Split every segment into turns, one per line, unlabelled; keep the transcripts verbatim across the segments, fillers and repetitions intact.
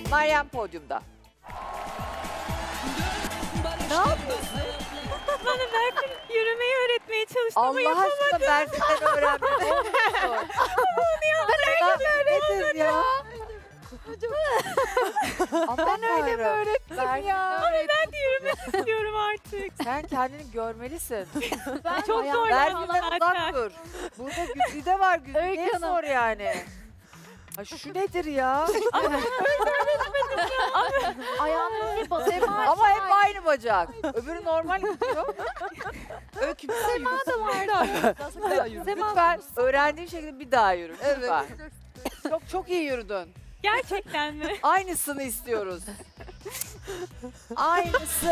Meryem podyumda. Ne yapıyorsun?
Bana Berfin yürümeyi öğretmeye çalıştı ama
Allah
yapamadım.
aşkına Berfin'den öğrendim. Ne olmuşsun? Nedir ya? Ben öyle mi öğrettim ya?
Ama ben de yürümek istiyorum artık.
Sen kendini görmelisin.
Ben çok
Berfin'den
zorlandım
uzak
zaten.
dur. Burada Güzide var. Güzide'ye
Öykü Hanım.
sor yani. Ha, şu nedir ya?
Ayağını bir basayım.
Ama hep aynı bacak. Öbürü normal gidiyor.
Öykü bir Sema da
vardı.
Lütfen öğrendiğin şekilde bir daha yürü. Lütfen. Çok çok iyi yürüdün.
Gerçekten mi?
Aynısını istiyoruz. Aynısı.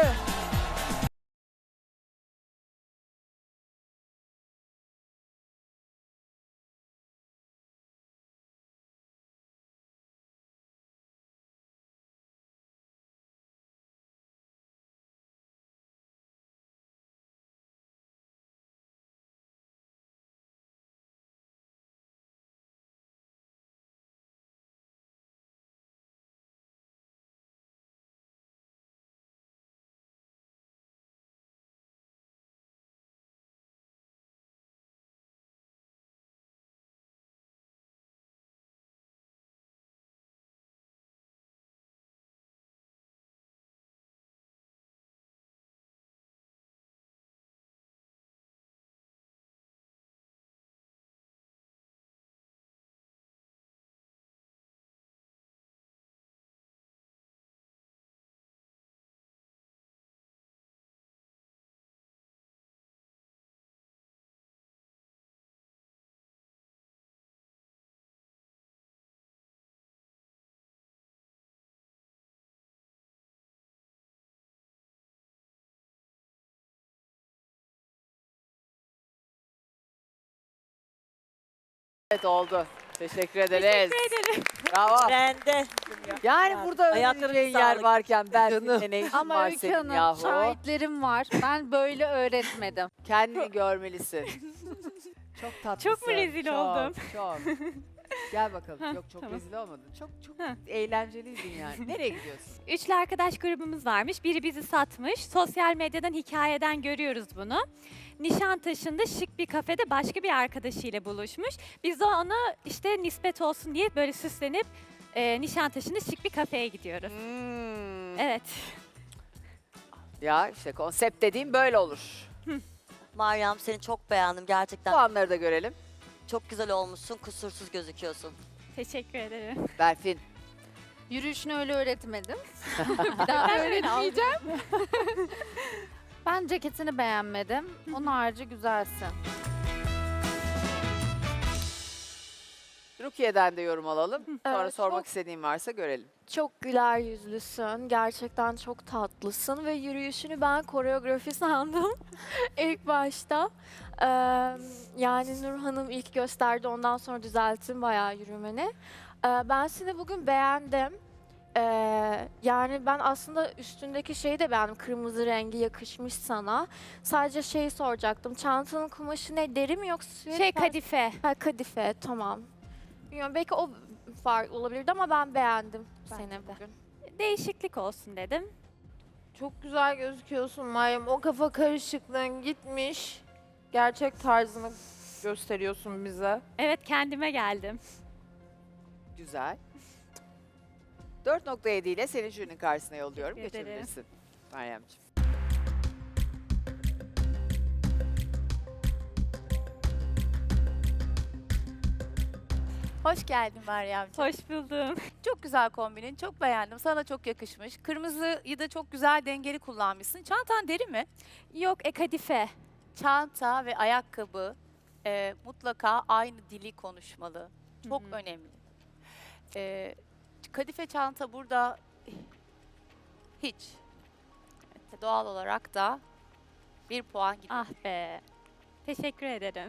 Evet oldu. Teşekkür ederiz.
Teşekkür ederim.
Bravo.
Bende.
Yani burada
Ayaklarınız
öğreneceğin yer
sağlık.
varken Berfin'le ne işin
Ama
var
Öykü
senin
Hanım
yahu?
şahitlerim var. Ben böyle öğretmedim.
Kendini görmelisin. Çok tatlısın.
Çok mu rezil
çok,
oldum?
Çok. Gel bakalım.
Heh,
Yok çok
tamam.
rezil olmadın. Çok çok
Heh.
eğlenceliydin yani. Nereye gidiyorsun?
Üçlü arkadaş grubumuz varmış. Biri bizi satmış. Sosyal medyadan, hikayeden görüyoruz bunu. Nişantaşı'nda şık bir kafede başka bir arkadaşıyla buluşmuş. Biz de ona işte nispet olsun diye böyle süslenip e, Nişantaşı'nda şık bir kafeye gidiyoruz.
Hmm.
Evet.
Ya işte konsept dediğim böyle olur.
Meryem seni çok beğendim gerçekten.
Puanları da görelim.
Çok güzel olmuşsun, kusursuz gözüküyorsun.
Teşekkür ederim.
Berfin.
Yürüyüşünü öyle öğretmedim. Bir daha
Ben
öğretmeyeceğim. Ben ceketini beğenmedim. Onun harici güzelsin.
Rukiye'den de yorum alalım. Sonra
Evet,
sormak
çok-
istediğin varsa görelim.
Çok güler yüzlüsün. Gerçekten çok tatlısın ve yürüyüşünü ben koreografi sandım ilk başta. Ee, yani Nur Hanım ilk gösterdi, ondan sonra düzelttim bayağı yürümeni. Ee, ben seni bugün beğendim. Ee, yani ben aslında üstündeki şeyi de beğendim. Kırmızı rengi yakışmış sana. Sadece şeyi soracaktım. Çantanın kumaşı ne? Deri mi yoksa süet
Şey
mi?
kadife.
Ha, kadife, tamam. Bilmiyorum, belki o fark olabilirdi ama ben beğendim
Bence
seni
de.
bugün.
Değişiklik olsun dedim.
Çok güzel gözüküyorsun Meryem. O kafa karışıklığın gitmiş. Gerçek tarzını gösteriyorsun bize.
Evet, kendime geldim.
Güzel. dört nokta yedi ile seni jürinin karşısına yolluyorum.
Teşekkür ederim.
Geçebilirsin Meryemciğim.
Hoş geldin Meryemciğim.
Hoş buldum.
Çok güzel kombinin, çok beğendim. Sana çok yakışmış. Kırmızıyı da çok güzel dengeli kullanmışsın. Çantan deri mi?
Yok, e kadife.
Çanta ve ayakkabı e, mutlaka aynı dili konuşmalı. Çok
Hı hı.
önemli. E, kadife çanta burada hiç. Doğal olarak da bir puan gidiyor.
Ah be. Teşekkür ederim.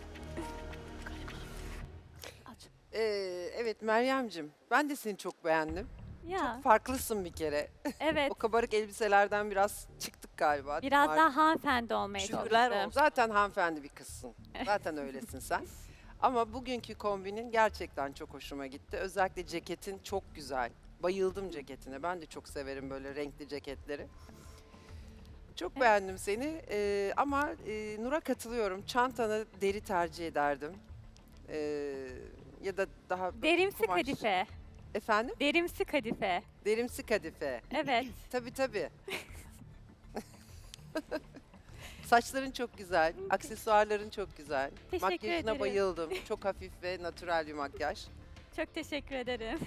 Ee, evet Meryem'cim, ben de seni çok beğendim.
Ya,
Farklısın bir kere.
evet.
O kabarık elbiselerden biraz çıktık galiba. değil mi?
Biraz
Artık
daha hanımefendi olmaya
şükürler
çalıştım.
olsun. Zaten hanımefendi bir kızsın. Zaten öylesin sen. Ama bugünkü kombinin gerçekten çok hoşuma gitti. Özellikle ceketin çok güzel. Bayıldım ceketine. Ben de çok severim böyle renkli ceketleri. Çok beğendim seni. Ee, ama e, Nur'a katılıyorum. Çantanı deri tercih ederdim. Ee, ya da daha
Derimsi
kumaş.
kadife.
Efendim?
Derimsi kadife.
Derimsi kadife.
Evet.
Tabii tabii. Saçların çok güzel, aksesuarların çok güzel.
Teşekkür
Makyajına
ederim.
bayıldım. Çok hafif ve natürel bir makyaj.
Çok teşekkür ederim.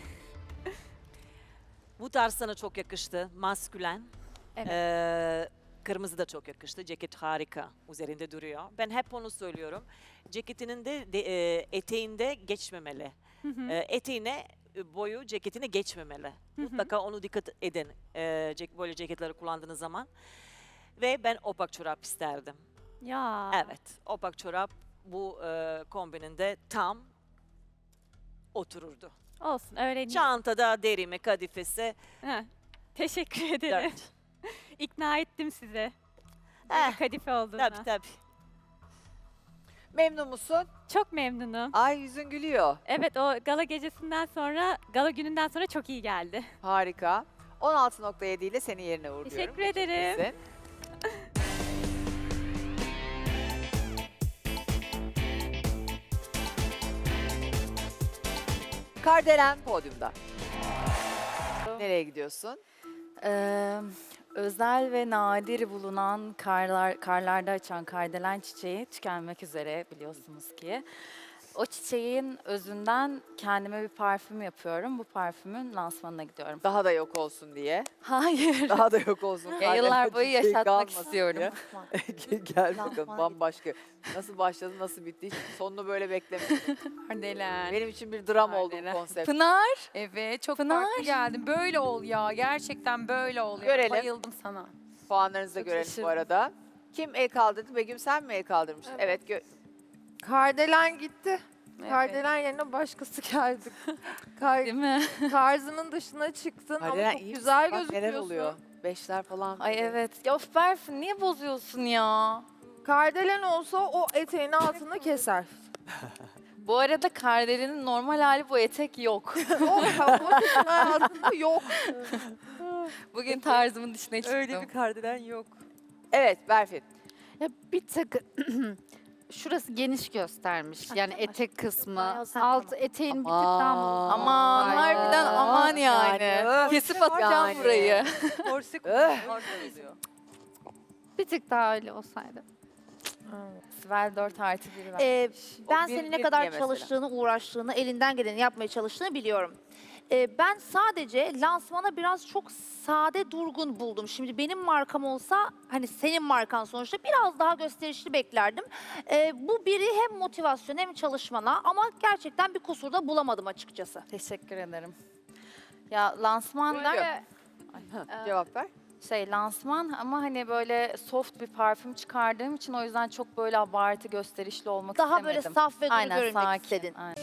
Bu tarz sana çok yakıştı. Maskülen.
Evet.
Ee, kırmızı da çok yakıştı. Ceket harika. Üzerinde duruyor. Ben hep onu söylüyorum. Ceketinin de, de e, eteğinde geçmemeli.
Hı hı.
E, eteğine e, boyu ceketine geçmemeli.
Hı hı.
Mutlaka onu dikkat edin. E, cek- böyle ceketleri kullandığınız zaman. Ve ben opak çorap isterdim.
Ya.
Evet. Opak çorap bu e, kombininde tam otururdu.
Olsun öğreneyim.
Çantada derimi, kadifesi.
Heh, teşekkür ederim.
Dört.
İkna ettim sizi.
Eh,
Kadife olduğuna.
tabii tabii.
Memnun musun?
Çok memnunum.
Ay yüzün gülüyor.
Evet o gala gecesinden sonra, gala gününden sonra çok iyi geldi.
Harika. on altı nokta yedi ile seni yerine uğurluyorum.
Teşekkür ederim.
Geçebilirsin. Kardelen podyumda. Nereye gidiyorsun?
Ee, özel ve nadir bulunan karlar, karlarda açan kardelen çiçeği tükenmek üzere biliyorsunuz ki. O çiçeğin özünden kendime bir parfüm yapıyorum. Bu parfümün lansmanına gidiyorum.
Daha da yok olsun diye.
Hayır.
Daha da yok olsun.
Ya yıllar boyu
Çiçeği
yaşatmak
kalmasın
istiyorum.
diye. Gel bakalım
Lansman
bambaşka. Nasıl başladı, nasıl bitti? Hiç sonunu böyle beklemedim.
Kardelen.
Benim için bir dram oldu bu
Kardelen.
konsept.
Pınar.
Evet çok
Pınar.
farklı geldin. Böyle ol ya. Gerçekten böyle ol ya.
Görelim.
Bayıldım sana.
Puanlarınızı da
Çok
görelim bu
şaşırdım.
arada. Kim el kaldırdı? Begüm sen mi el kaldırmıştın? Evet. gö-
Kardelen gitti.
Evet.
Kardelen yerine başkası geldi. Kar-
Değil mi?
tarzının dışına çıktın
Kardelen
ama çok
iyi
güzel
misin? Bak
gözüküyorsun.
neler oluyor? Beşler falan.
Ay evet. Ya of Berfin niye bozuyorsun ya?
Kardelen olsa o eteğin altını keser.
Bu arada kardelenin normal hali bu etek yok.
Yok ya, o eteğin altında yok.
Bugün tarzımın dışına çıktım.
Öyle bir kardelen yok.
Evet Berfin.
Ya bir tık şurası geniş göstermiş. Yani etek kısmı. Alt eteğin bir tık daha mı?
Aman
Ay,
harbiden aman yani.
yani, öf.
Kesip atacağım
Yani.
burayı.
Korse
Öh.
oluyor.
Bir tık daha öyle olsaydı.
Sibel dört artı bir ver.
Ee, ben
O bir-
senin
bir
ne kadar
diye mesela.
çalıştığını, uğraştığını, elinden geleni yapmaya çalıştığını biliyorum. Ee, ben sadece lansmana biraz çok sade, durgun buldum. Şimdi benim markam olsa, hani senin markan sonuçta biraz daha gösterişli beklerdim. Ee, bu biri hem motivasyon hem çalışmana ama gerçekten bir kusur da bulamadım açıkçası.
Teşekkür ederim. Ya lansman
Buyurun.
der,
Cevap ver.
şey lansman ama hani böyle soft bir parfüm çıkardığım için o yüzden çok böyle abartı gösterişli olmak
Daha
istemedim.
böyle saf ve duru
Aynen
görünmek
sakin.
istedin.
Aynen.